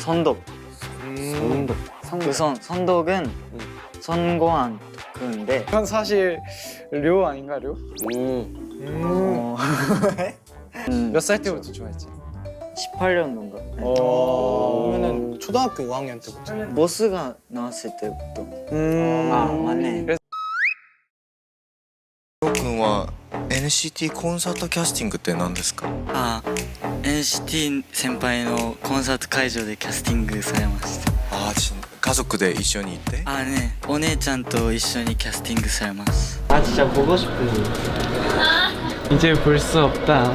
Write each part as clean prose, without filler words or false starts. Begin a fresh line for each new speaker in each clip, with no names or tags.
선독. 우선 선독은 선고한 독후인데
이건 사실 료 아닌가 료? 몇 살 때부터 좋아했지?
18년도인가?
그러면은 초등학교 5학년 때부터.
모스가 나왔을 때부터.
아 맞네.
君は NCT コンサートキャスティングって何ですか？
あ、NCT 先輩のコンサート会場でキャスティングされました。
ああ、家族で一緒に行って？
あね、お姉ちゃんと一緒にキャスティングされます。
아 진짜 보고 싶어. 이제 볼 수 없다.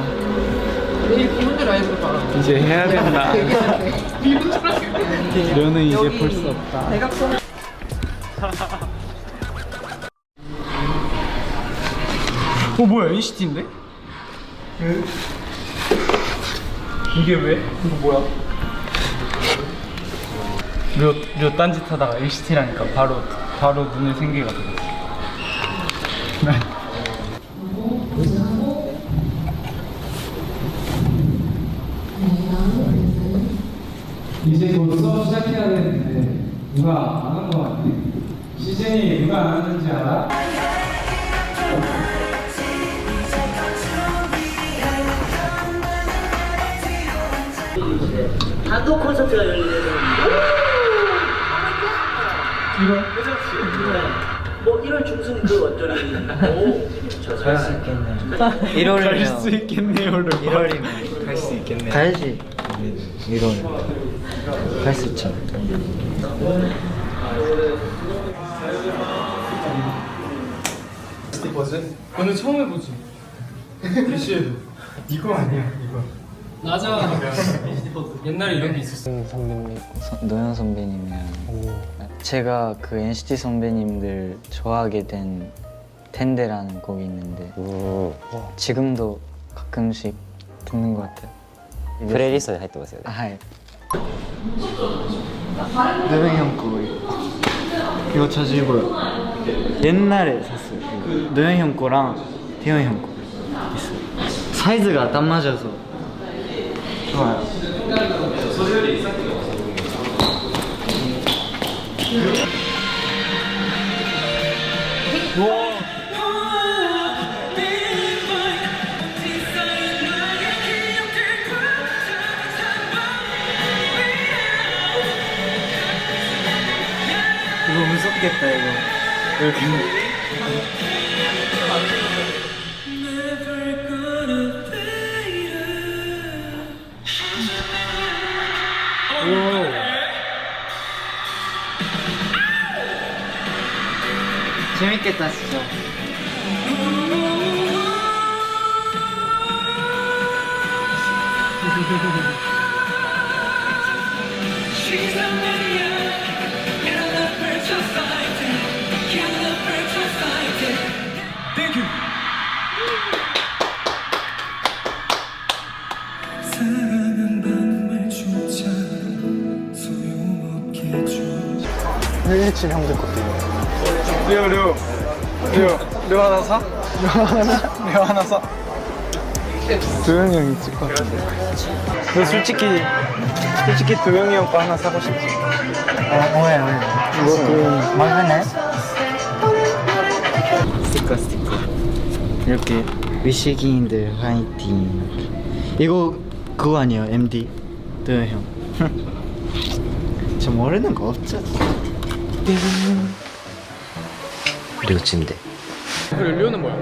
이제 해야 된다. 료는 이제 볼 수 없다. 뭐야 NCT인데? 이게 왜? 이거 뭐야? 료 딴짓하다가 NCT라니까 바로 눈에 생기가 들었어.
이제 곧 수업 시작해야 되는데 누가 안 한 거 같아? 시즌이 누가 안 왔는지 알아?
단독 콘서트가 열리는 1월 중순도 완전히
갈 수 있겠네. 1월이면
갈 수 있겠네요를
1월이면
갈 수 있겠네.
가야지. 1월 갈 수 있죠.
오늘 처음 해보지. 대시에도 이거 아니야 이거. 맞아. 옛날에 이런 게 있었어.
노현 선배님이랑 제가 그 NCT 선배님들 좋아하게 된 텐데라는 곡이 있는데 지금도 가끔씩 듣는 것 같아요.
プレイリストに入ってますよね。
하이. 노현 형 거 이거 자주 입어요. 옛날에 샀어요. 이거. 노현 형 거랑 태현 형 거 있어요. 사이즈가 딱 맞아서 좋아요. 이거 무섭겠다 이거. 이렇게. 재밌겠다 진짜.
힐리친 형들 것도 있네. 료 하나 사? 료 하나 사? 도영이 형 있을 것 같은데. 너 솔직히 도영이 형 거 하나 사고 싶지?
왜?
이거 도영이.
맞네. 스티커. 이렇게 위시기인들 화이팅. 이거 그거 아니에요? MD 도현 형. 저 모르는 거 없죠?
両チームで。
그리고 료는 뭐야?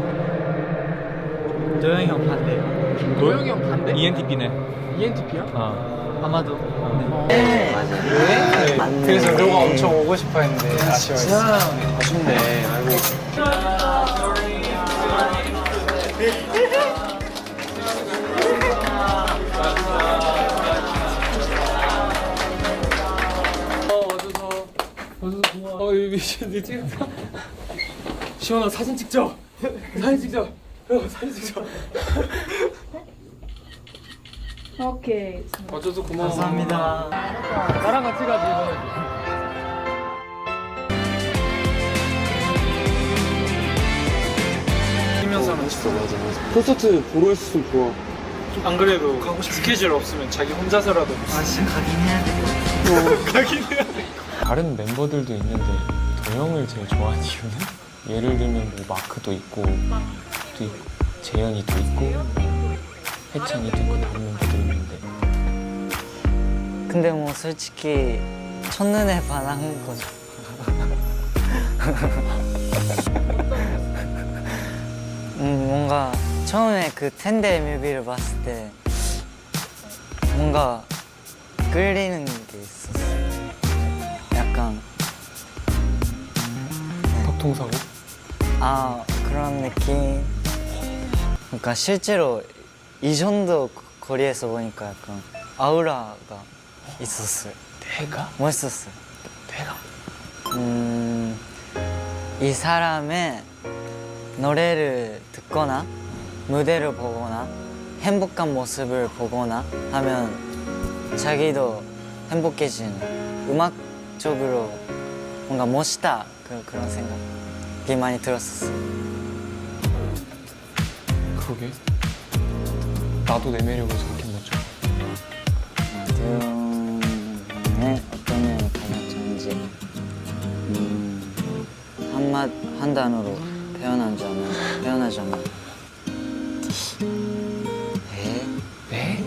도현 형 반대요.
도영이 형 반대?
ENTP네.
ENTP야?
아마도.
네. 그래서 료가 엄청 오고 싶어 했는데 아쉬워했어. 아쉽네. 아이고.
네 찍었어. 시원아 사진 찍자. 사진 찍자. 사진 찍자.
오케이.
와줘서 고마워.
감사합니다.
나랑 같이 가지 이번에.
뛰면서는 진짜 맞아. 콘서트 보러 있었으면 좋아. 안 그래도 가고 싶은 스케줄 없으면 자기 혼자서라도.
아 진짜 가긴 해야 돼.
다른 멤버들도 있는데 도영을 제일 좋아하는 이유는? 예를 들면 뭐 마크도 있고 또 있고 재현이도 있고 해찬이도 있고 다른 멤버들이 있는데
근데 뭐 솔직히 첫눈에 반한 거죠. 뭔가 처음에 그 텐데 뮤비를 봤을 때 뭔가 끌리는 게 있었어요. 약간
턱통사고?
그런 느낌. 그러니까 실제로 이 정도 거리에서 보니까 약간 아우라가 있었어요.
내가?
멋있었어요.
내가?
이 사람의 노래를 듣거나 무대를 보거나 행복한 모습을 보거나 하면 자기도 행복해지는 음악적으로 뭔가 멋있다 그런 생각이 많이 들었었어요.
그러게 나도 내 매력을 저렇게 못 줘.
대웅의 어떤 면이 가장 좋은지 한 단어로 표현하자면
네?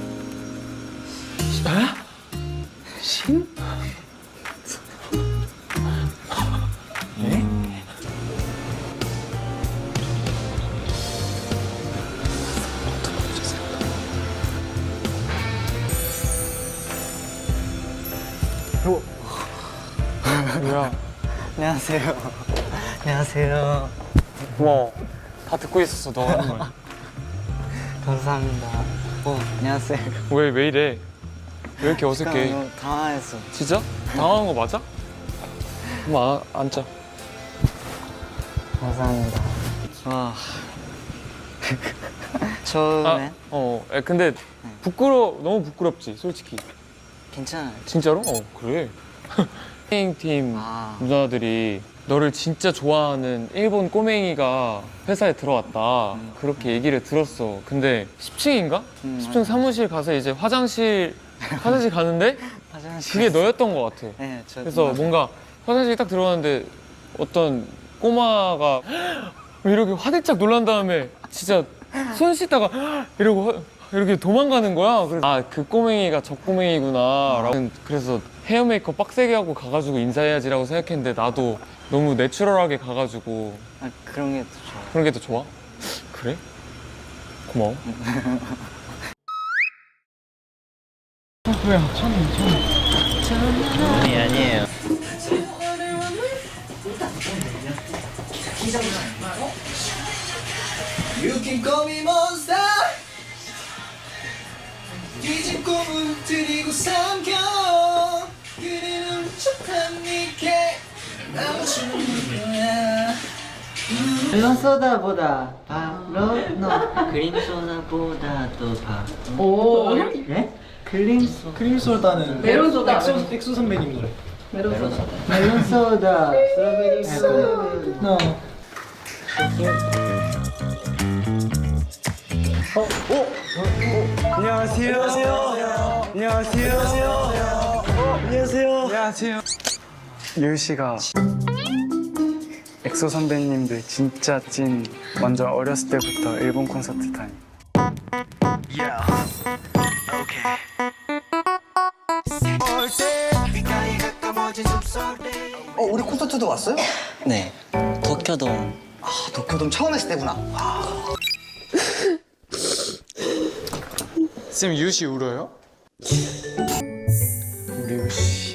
아? 신? 네? 뭐야?
안녕하세요. 안녕하세요.
고마워. 다 듣고 있었어 너 하는 말.
감사합니다. 안녕하세요.
왜 이래? 왜 이렇게
잠깐,
어색해?
너무 당황했어.
진짜? 당황한 거 맞아? 한번 앉자.
감사합니다. 와. 처음에
근데 너무 부끄럽지 솔직히.
괜찮아요.
진짜로? 그래. 팀 누나들이 너를 진짜 좋아하는 일본 꼬맹이가 회사에 들어왔다. 그렇게 얘기를 들었어. 근데 10층인가? 10층 사무실 가서 이제 화장실 가는데 그게 너였던 것 같아.
네,
그래서 뭔가 화장실 딱 들어갔는데 어떤 꼬마가 이렇게 화들짝 놀란 다음에 진짜 손 씻다가 이러고 이렇게 도망가는 거야. 그래서 그 꼬맹이가 저 꼬맹이구나 라고. 그래서 헤어 메이크업 빡세게 하고 가가지고 인사해야지라고 생각했는데 나도 너무 내추럴하게 가가지고
그런 게 더 좋아요.
그런 게 더 좋아? 그래? 고마워.
아니에요.
You can call me monster 뒤진 꿈을 들이고 삼켜 그리는 척한 니께 나오주는 거야
멜론 소다보다 바로 너 그린 소다보다도 바로
오.
네? 크림
소다는
메론 소다.
엑소 선배님 노래.
멜론 소다 스트로베리 소다
안녕하세요. 유희 씨가 엑소 선배님들 진짜 찐 완전 어렸을 때부터 일본 콘서트 다니.
우리 콘서트도 왔어요?
네 도쿄돔.
도쿄돔 처음 했을 때구나.
쌤 유희 씨 울어요? 우리 유희 씨.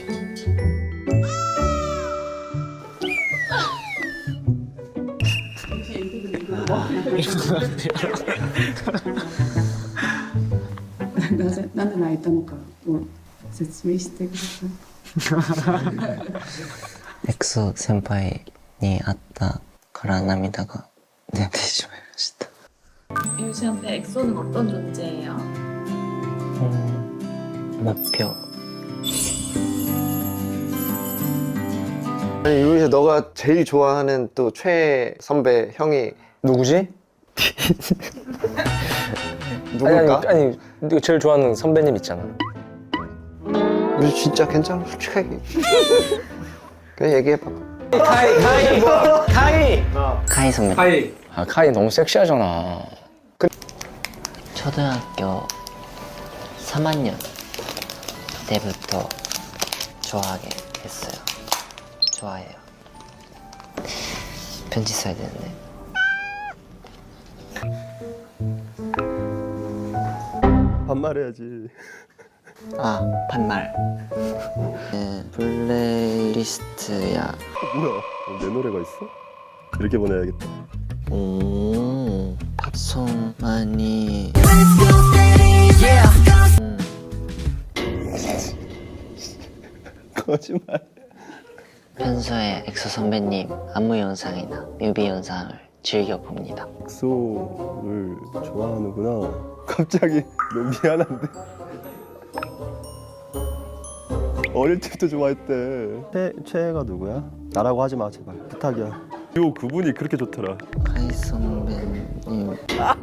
なんで泣いたのかを説明してください。
엑소先輩に会ったから涙が出てしまいました。
유씨한테 엑소는 어떤 존재예요?
목표.
아니 유리씨 너가 제일 좋아하는 또 최애 선배 형이
누구지?
누굴까?
아니 네가 제일 좋아하는 선배님 있잖아.
진짜 괜찮아 솔직하게. 그냥 얘기해봐.
카이 선배.
아 카이 너무 섹시하잖아.
초등학교 3학년 때부터 좋아하게 됐어요. 좋아해요. 편지 써야 되는데.
반말해야지.
아, 반말. 네, 플레이리스트야.
뭐야? 내 노래가 있어? 이렇게 보내야겠다.
오, 팝송 많이.
거짓말.
평소에 엑소 선배님 안무 영상이나 뮤비 영상을 즐겨 봅니다.
엑소를 좋아하는구나. 갑자기 너무 미안한데. 어릴 때부터 좋아했대. 최애가 누구야? 나라고 하지 마 제발. 부탁이야. 요 그분이 그렇게 좋더라.
카이 선배님.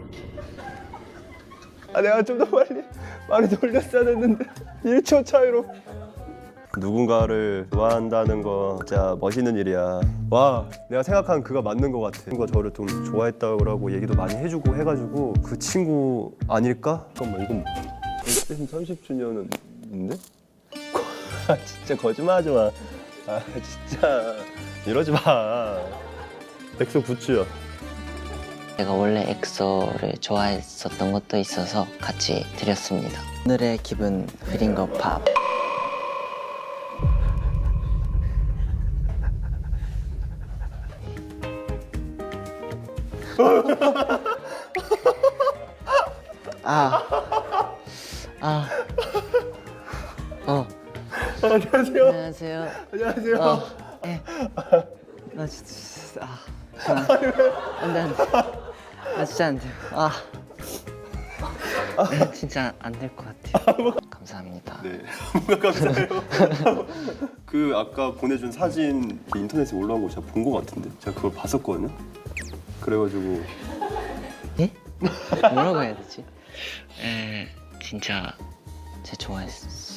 아 내가 좀 더 많이 돌렸어야 했는데 1초 차이로. 누군가를 좋아한다는 거 진짜 멋있는 일이야. 와, 내가 생각한 그가 맞는 것 같아. 친구가 저를 좀 좋아했다고 얘기도 많이 해주고 해가지고 그 친구 아닐까? 잠깐만 이건 30주년인데? 진짜 거짓말하지 마. 아 진짜 이러지 마. 엑소 굿즈야.
제가 원래 엑소를 좋아했었던 것도 있어서 같이 드렸습니다. 오늘의 기분 흐린 거 팝.
안녕하세요.
안녕하세요.
안녕하세요.
나 진짜 안돼 안돼. 나 진짜 안 돼요. 진짜 안 될 것 같아요. 감사합니다.
네, 뭐가 감사해요. 그 아까 보내준 사진 인터넷에 올라온 거 제가 본 거 같은데 제가 그걸 봤었거든요. 그래가지고
예? 뭐라고 해야 되지? 진짜 제 좋아했어요.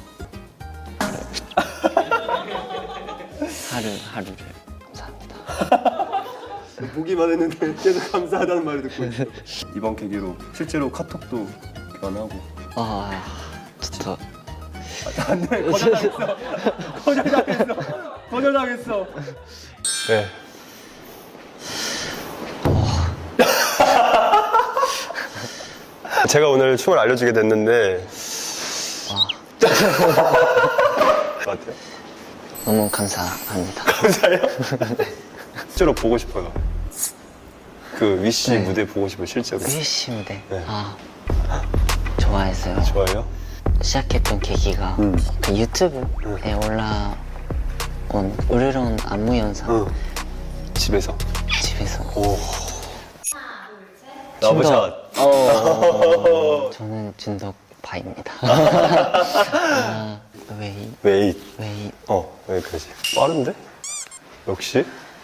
하루를 감사합니다.
보기만 했는데 계속 감사하다는 말을 듣고 있어. 이번 계기로 실제로 카톡도 교환하고.
진짜
안돼, 거절당했어. 네. 제가 오늘 춤을 알려주게 됐는데 같아요.
너무 감사합니다.
감사해요? 실제로 보고 싶어요. 그 위시 무대 보고 싶어요, 실제로.
위시 무대.
네.
좋아했어요.
좋아해요?
시작했던 계기가 그 유튜브에 올라온 으르렁 안무 영상.
집에서.
오.
러브샷.
저는 진덕파입니다. 웨이.
왜 그러지? 빠른데? 역시?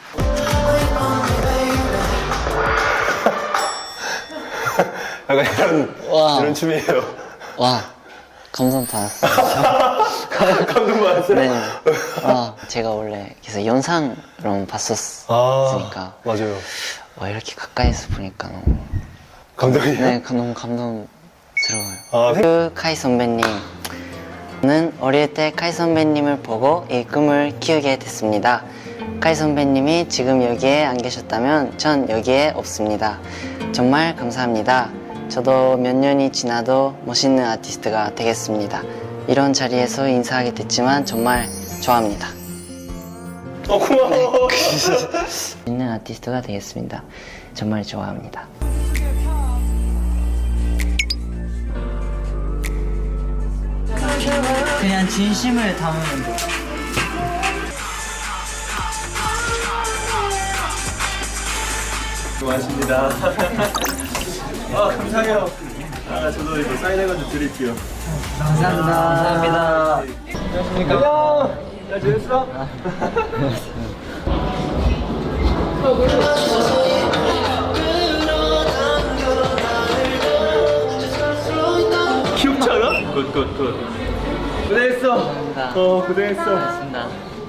약간 이런 춤이에요.
와, 감동 받았어요.
감동 받았어요?
네. 제가 원래 계속 영상으로 봤었으니까.
맞아요.
와, 이렇게 가까이서 보니까 너무.
감동이에요?
네, 너무 감동스러워요. 그 카이 선배님은 어릴 때 카이 선배님을 보고 이 꿈을 키우게 됐습니다. 카이 선배님이 지금 여기에 안 계셨다면 전 여기에 없습니다. 정말 감사합니다. 저도 몇 년이 지나도 멋있는 아티스트가 되겠습니다. 이런 자리에서 인사하게 됐지만 정말 좋아합니다.
고마워.
멋있는 아티스트가 되겠습니다. 정말 좋아합니다. 그냥 진심을 담으면 돼.
고맙습니다. 감사해요. 저도 이거 사인해가지고 드릴게요.
감사합니다.
안녕. 잘 지냈어? 귀엽지 않아? 굿.
고생했어.
감사합니다.
고생했어.
고맙습니다.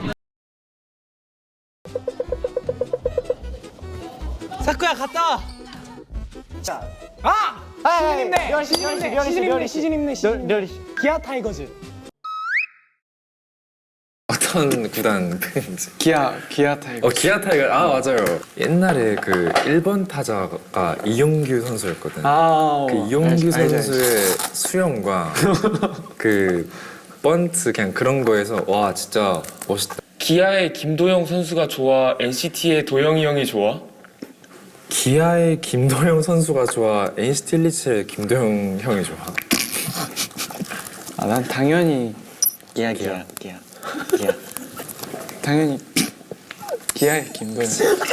사쿠야 갔다. 시즌 힘내. 기아 타이거즈.
어떤 구단 팬인지.
기아 타이거.
기아 타이거. 아 맞아요. 옛날에 그 1번 타자가 이용규 선수였거든. 그 이용규 선수의 수영과 그 번트 그냥 그런 거에서 와 진짜 멋있다.
기아의 김도영 선수가 좋아? NCT의 도영이 형이 좋아?
기아의 김도영 선수가 좋아? NCT 127의 김도영 형이 좋아?
난 당연히
기아.
당연히 기아의 김도영.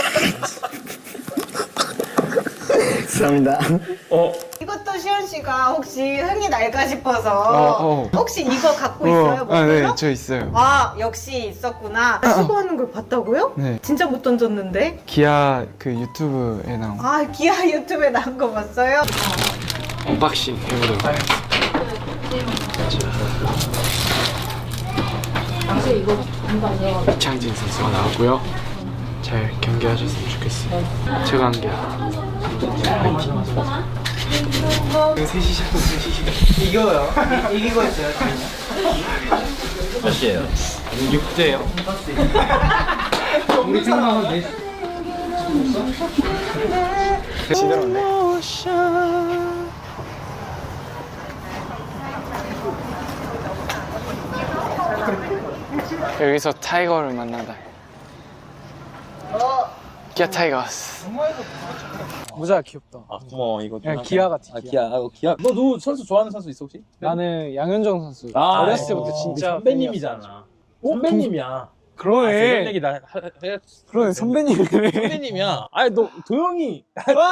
감사합니다.
이것도 시현 씨가 혹시 흥이 날까 싶어서 혹시 이거 갖고 있어요?
네, 저 있어요.
아, 역시 있었구나. 시구하는 걸 봤다고요?
네.
진짜 못 던졌는데?
기아 그 유튜브에 나온
아, 기아 유튜브에 나온 거 봤어요?
언박싱 해보도록 하겠습니다. 이창진 선수가 나왔고요. 잘 경기하셨으면 좋겠어요. 최강기아.
이거요. 이기고 있어요.
몇이에요?
6대요.
우리 생각하면 돼.
지들었네. 여기서 타이거를 만나다. 기아 타이거스. 모자 귀엽다.
고마워 이거.
그냥 기아 같아.
기아.
너 누구 선수 좋아하는 선수 있어 혹시?
나는 양현종 선수. 어렸을 때부터 진짜
선배님이잖아. 선배님이야.
그러네.
얘기 나
그러네 선배님이네.
선배님이야. 아니 너 도영이.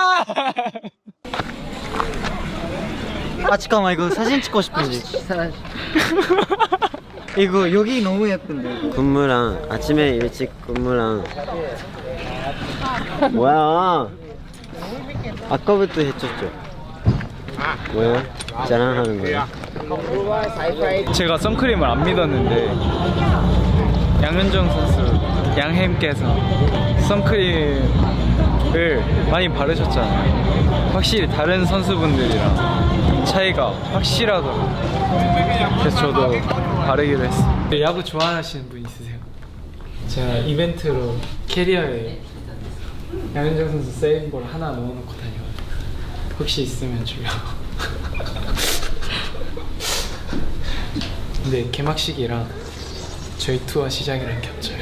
아 잠깐만 이거 사진 찍고 싶은데. 이거 여기 너무 예쁜데.
근무랑 아침에 일찍 근무랑 뭐야? 아까부터 해쳤죠. 뭐야? 자랑하는 거야?
제가 선크림을 안 믿었는데 양현종 선수 양햄께서 선크림을 많이 바르셨잖아요. 확실히 다른 선수분들이랑 차이가 확실하더라고요. 그래서 저도 바르기로 했어요. 야구 좋아하시는 분 있으세요? 제가 이벤트로 캐리어에 양현종 선수 세이브볼 하나 넣어놓고 다녀요. 혹시 있으면 주려고. 근데 개막식이랑 저희 투어 시작이랑 겹쳐요.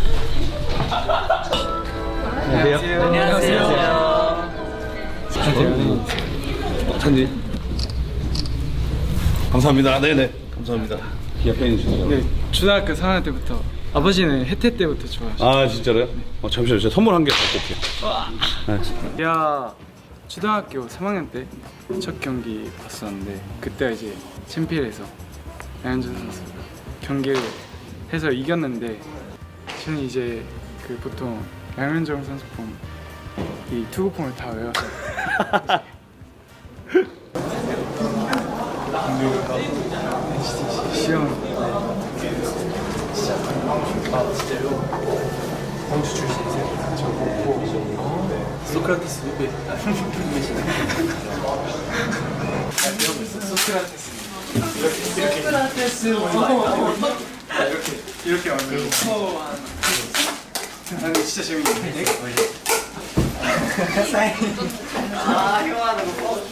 안녕하세요. 안녕하세요.
찬디. 감사합니다. 네네. 감사합니다. 기아 팬이시죠?
네, 초등학교 4학년 때부터 아버지는 혜태 때부터 좋아하셨어요.
아 진짜로요? 잠시만요. 제가 선물 한 개 갖고 올게요.
야, 초등학교 3학년 때 첫 경기 봤었는데 그때 이제 챔피언에서 양현종 선수 경기를 해서 이겼는데 저는 이제 그 보통 양현종 선수 폼 이 투구폼을 다 외워서 시험 공주 출신이세요? 저 보고 소크라테스 후배 소크라테스 이렇게 만들고 아니 진짜 재밌네.
아 형아는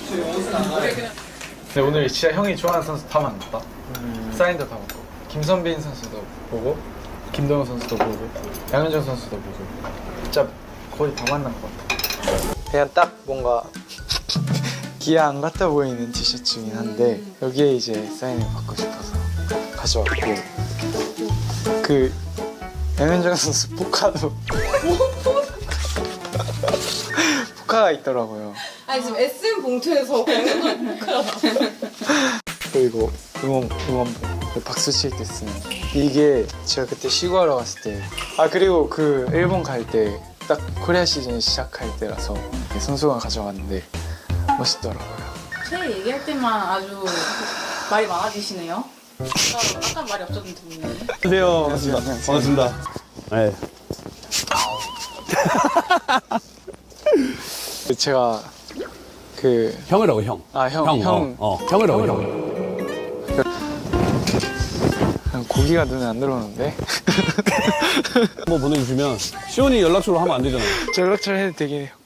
근데 오늘 진짜 형이 좋아하는 선수 다 만났다. 사인도 다 먹고 김선빈 선수도 보고 김동현 선수도 보고 양현종 선수도 보고 진짜 거의 다 만난 것 같아. 그냥 딱 뭔가 기아 안 같아 보이는 티셔츠긴 한데 여기에 이제 사인을 받고 싶어서 가져왔고 그 양현종 선수 포카도 포카가 있더라고요.
아니, 지금 SM 봉투에서
그리고 응원봉 박수 칠 때 쓰는 이게 제가 그때 시구하러 갔을 때 그리고 그 일본 갈 때 딱 코리아 시즌 시작할 때라서 선수가 가져왔는데 멋있더라고요.
제 얘기할 때만 아주 말이 많아지시네요. 아까 말이 없었는데.
안녕하세요. 반갑습니다. 네.
제가 그
형이라고 형. 형이라고 형.
고기가 눈에 안 들어오는데.
한번 보내주시면 시온이 연락처로 하면 안 되잖아요.
저 연락처 해도 되긴 해요.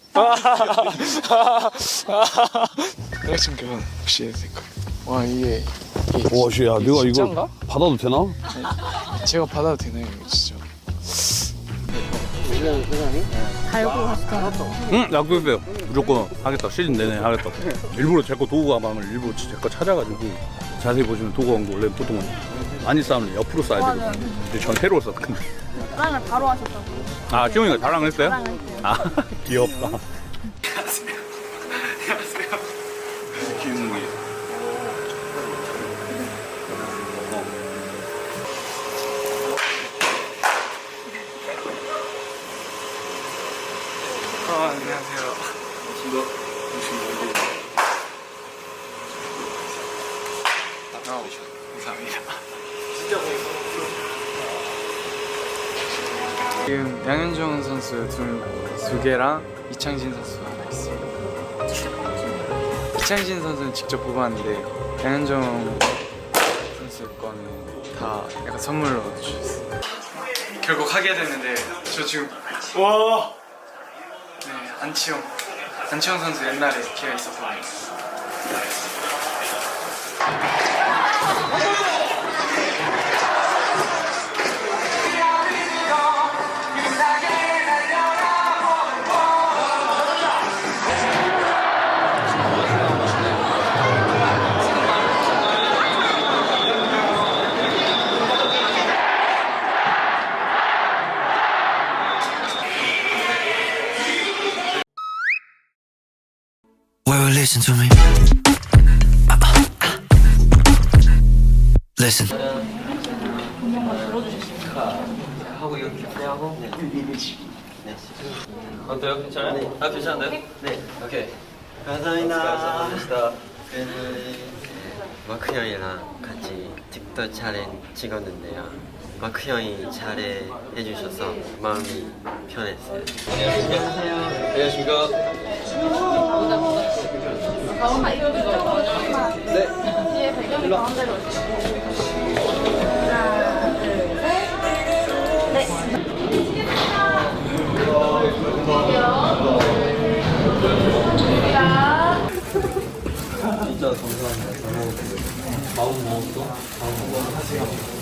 연락처 교환 혹시 해도 될까요? 와 이게
와, 씨, 야, 내가
진짠가?
이거 받아도 되나?
제가 받아도 되나요 이거 진짜?
응, 약속했어요. 무조건 하겠다. 시즌 내내 하겠다. 일부러 제 거 도구 가방을 일부러 제 거 찾아가지고 자세히 보시면 도구 가방도 원래 보통은 많이 쌓으면 옆으로 쌓아야 되거든요. 근데 전 세로 썼거든요.
자랑을 바로 하셨다고.
아, 시온이가 자랑을 했어요? 아, 귀엽다.
안녕하세요. 감사합니다. 지금 양현종 선수 두 개랑 이창진 선수 하나 있어요. 이창진 선수는 직접 뽑았는데 양현종 선수 거는 다 약간 선물로 주셨어요. 결국 하게 됐는데 저 지금 와. 네, 안치홍 선수 옛날에 걔가 있었거든요.
Well, listen to me. Listen.
하고 이거 기대하고. 네. 어때요? 괜찮아요? 아, 괜찮은데요? 네. 오케이. 감사합니다. 마크 형이랑 같이 틱톡 촬영 찍었는데요. 마크 형이 잘해 해주셔서 마음이 편했어요. 안녕하세요. 안녕하십니까. 네. 뒤에 배경이 가운데로
진짜 감사합니다. 잘 먹었어요. 마음 먹었어? 마음 먹었어.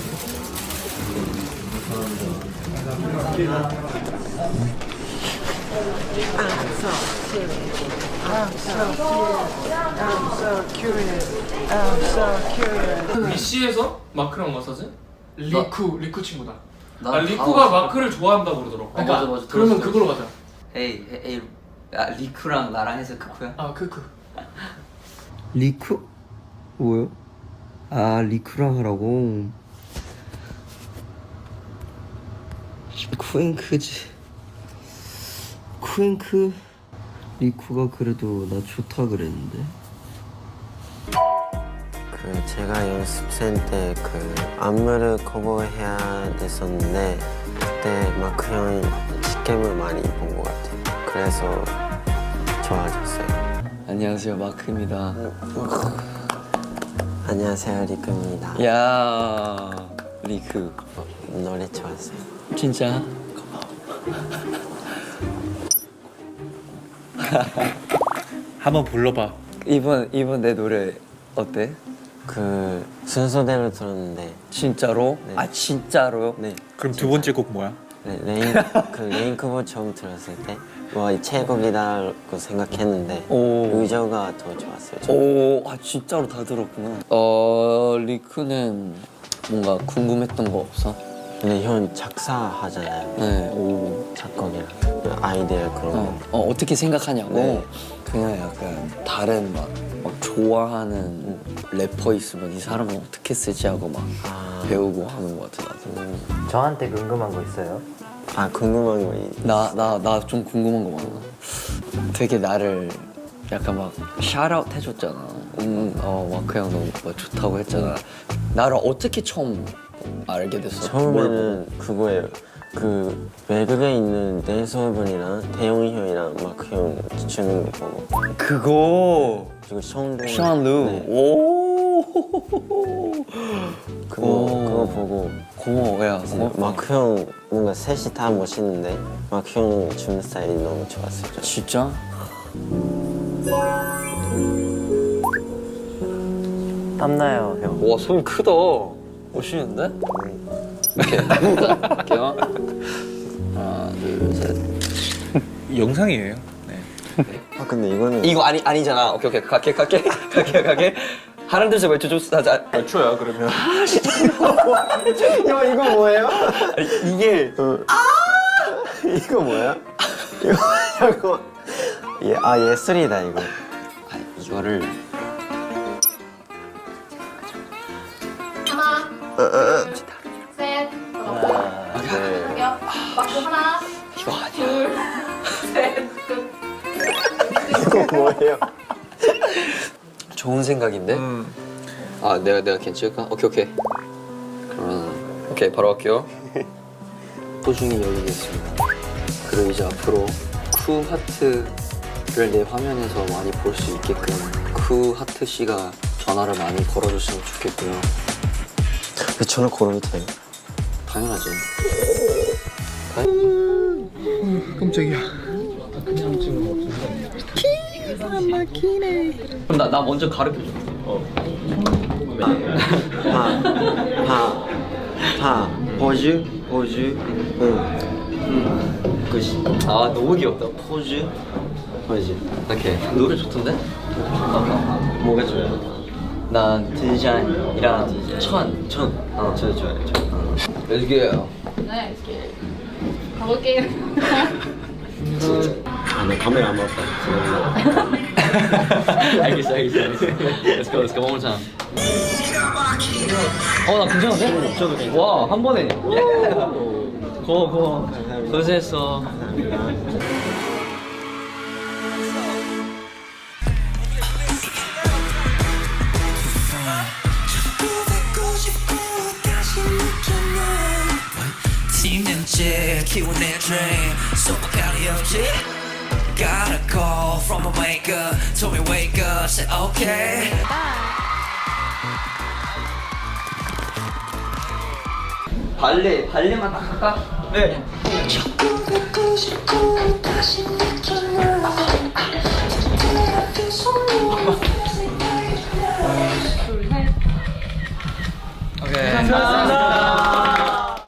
미씨에서 마크랑 마사지? 리쿠 친구다. 리쿠가 마크를 좋아한다고 그러더라고. 그러니까
맞아.
그러면 그걸로 가자.
에이, 야, 리쿠랑 나랑 해서 크쿠야?
아 크크.
리쿠? 뭐요? 아, 리쿠랑 하라고. 쿠잉크지. 쿠잉크. 리쿠가 그래도 나 좋다 그랬는데. 그 제가 연습생 때 그 안무를 커버해야 됐었는데 그때 마크 형이 직캠을 많이 본 것 같아요. 그래서 좋아졌어요.
안녕하세요, 마크입니다.
안녕하세요, 리쿠입니다.
야, 리크.
노래 좋았어요.
진짜?
한번 불러봐.
이번 내 노래 어때?
그 순서대로 들었는데.
진짜로?
네.
아, 진짜로요?
네.
그럼 두 번째 곡 뭐야?
네, 레인크보 처음 들었을 때 와, 이 최고이다고 생각했는데 의저가 더 좋았어요.
오, 아 진짜로 다 들었구나. 리크는 뭔가 궁금했던 거 없어?
근데 형 작사하잖아요.
네, 오.
작곡이랑 아이디어 그런 거.
어떻게 생각하냐고?
네.
그냥 약간 다른 막 좋아하는 래퍼 있으면 이 사람은 어떻게 쓰지 하고 막 배우고 하는 거 같아, 나도.
저한테 궁금한 거 있어요? 아, 궁금한 거
나 좀 궁금한 거 많아. 되게 나를
약간 막 샤웃 해줬잖아. 마크 형 너무 뭐 좋다고 했잖아. 나를 어떻게 처음 알게 됐어?
처음에는 그거예요. 그 외국에 있는 댄서분이랑 태용이 형이랑 마크 형 주는 거 보고.
그거.
그리고 션루.
션루. 오.
그거 보고.
고마워, 야.
마크 형 뭔가 셋이 다 멋있는데 마크 형 주는 스타일이 너무 좋았어요.
진짜?
땀나요 형.
와, 손 크다. 멋있는데? 이렇게 할게요. 하나, 둘, 셋.
영상이에요.
아 근데 이거는
이거 아니잖아. 오케이 갈게. 하나 둘 셋 외쳐줘. 몇 초야 그러면?
이거 뭐예요?
이게
이거 뭐야? 이거 예술이다 이거.
이거를
하나, 셋, 공격. 맞고 하나,
이거 아니야.
둘, 셋, 끝.
이거 뭐예요?
좋은 생각인데? 내가 괜찮을까? 오케이. 그러면 오케이 바로 할게요. 소중히 여기겠습니다. 그리고 이제 앞으로 쿠 하트를 내 화면에서 많이 볼 수 있게끔 쿠 하트 씨가 전화를 많이 걸어줬으면 좋겠고요.
왜 전화 걸어도 돼요?
당연하지.
깜짝이야.
그럼 나 먼저 가르쳐줘.
포즈. 끝이.
아 너무 귀엽다.
포즈.
오케이. 노래 좋던데?
뭐가 좋아요?
난 디자인이랑 천.
저 좋아요.
Let's go.
네, 이렇게 가볼게요.
나 카메라 안 봤다.
알겠어. Let's go. One more time. 나 괜찮은데? 와, 한 번에. 고마워. 고생했어.
키운 내 dream 소박하리 없지 Got a call from a maker Told me wake up, said okay
발레만 딱 할까? 네. 오케이. 감사합니다.